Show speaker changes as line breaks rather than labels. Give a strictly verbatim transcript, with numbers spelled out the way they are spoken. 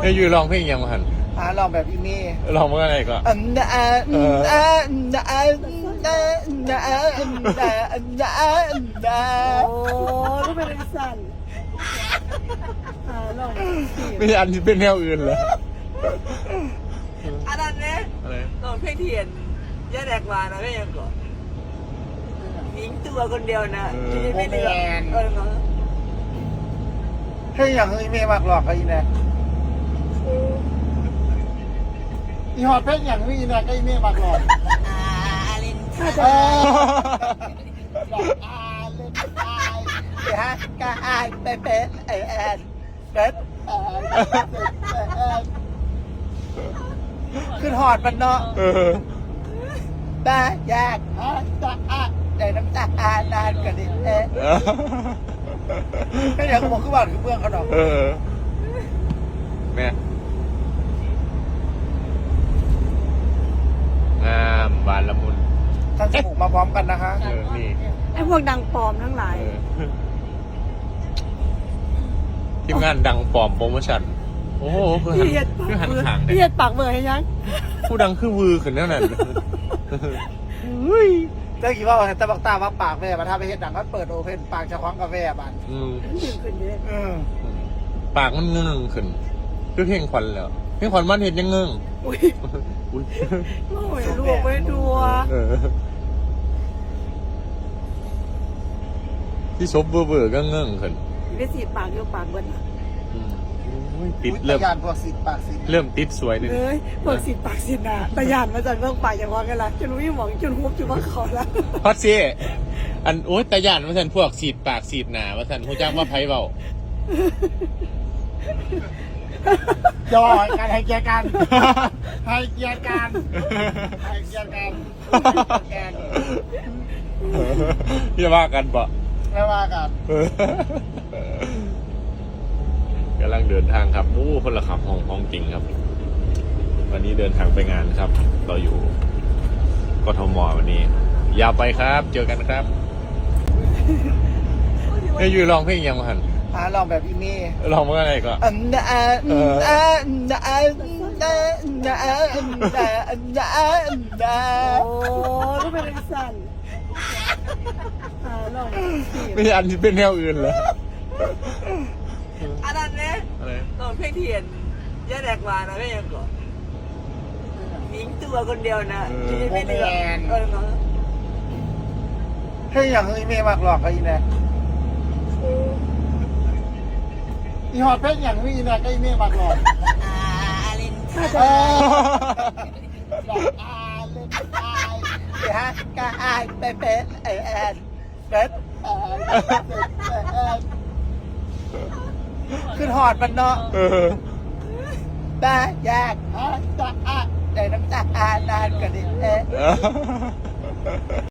ให้ยูร้องเพลงยังหัน
หาลองแบบอีเมย์
ร้องว่าอะไรก็
อันนะอันนะอันนะอันนะนะอันนะอันนะอันนะ
โอ้ก็เป็นสั่นอ่าลองสิ
ไม่ใช่อันที่เป็นแนวอื่นเหรอ
อันนั้นเนี่ย
อะไร
ตอนเพลงเทียนย่าแดกมานะก็ยังก่อนหญิงตัวคนเดียวนะที่ไม่เลือกเออเนาะ
ให้อย่างอีเมย์มากหลอกกับอีแนกอีหอดเพชรอย่างนี้อีแนกก็อีเมย์มากหลอก
อาลิน
เออหลอกอาเล่นอายเดี๋ยวฮะกาอายเป๊ะเป๊ะไอแอนเป๊ะแอนแอนขึ้นหอดมันเนาะ
เออ
บ้ายากฮะตาอาใจน้ำตาอานานกันดิเอ๊ะก็อย่างผมคือบ้านคือเบื้องเขาดอก
เออแม่งามบานละมุน
ทั้งจมูกมาพร้อมกันนะคะ
เออนี่
ไอ้พวกดังปลอมทั้งหลาย
เออทีมงานดังปลอมโปรโมชั่นโอ้โหคือหัน
เอียดปาก
คือหัน
เบอร์
ขาง
เอียดปากเบอร์ให้ยัง
ผู้ดังคือวือขึ้นนั่นน่ะ
เจ้ากี่ว่าแต่บักตาว่าปากแม่มาถ้าไปเห็นหนังก็เปิดโอเพนปากจะคว้างกาแฟบัน
อืม
ดึงขึ้นเยอะ
เออ
ปากมันเงื่องขึ้นคือเพลงควันแล้วเพลงควันมันเห็นยังเงื่อง
อุ้ย
อุ๊ย
โอ้ยลูกไม่ดูอ่ะ
เออที่ซบเบอร์เบอร์ก็เงื่องขึ้น
ได้สีปากอยู่ปากเบิ้ล
อืมอุ๊ยติด
อุ๊ย
เริ่ม
ตะยานพวกสิทธิ์ปากสิทธิ์
เริ่มติดสวยเลย
เอ้ยพวกสีปากสีหนาตะยานมาจากเรื่องปากอย่างว่ากันละจนรู้ยังหมองจนฮุบจนว่าเขาละ
ฮอตซี่อันโอ๊ยตาหยานว่าสันพวกสีดปากสีดหนาว่าสันหูจ้างว่าไพ่เบา
จอการให้เกียร์กันให้เกียร์กันให้เกียร์กันแกน
อย่าว่ากันปะ
ไม่ว่ากัน
กำลังเดินทางครับโอ้คนละขับห้องห้องจริงครับ วันนี้เดินทางไปงานครับ เราอยู่กทมวันนี้ ยาวไปครับ เจอกันครับให้ยูร้องเพลงยังหัน
หาลองแบบอีเมย์
ร้องว่าอะไรก็
อันนะอันนะอันนะอันนะนะอันนะอันนะอันนะ
โอ้ก็เป็นสั่นอ่าลองสิ
ไม่ใช่อันที่เป็นแนวอื่นเหรอ
อันนั้นเนี่ย
อะไร
ตอนเพลงเทียนย่าแดกมานะก็ยังก่อนหญิงตัวคนเดียวนะที่ไม่เลือกเออเนาะ
ให้อย่างอีเมย์มากหลอกกับอีแนกอีหอดเพชรอย่างนี้อีแนกก็อีเมย์มากหลอก
อาลิน
เออหลอกอาเล่นอายเดี๋ยวฮะกาอายเป๊ะเป๊ะไอแอนเป๊ะแอนแอนขึ้นหอดมันเนาะ
เออ
บ้ายากฮะตาอาใจน้ำตาอานานกันดิเอ๊ะ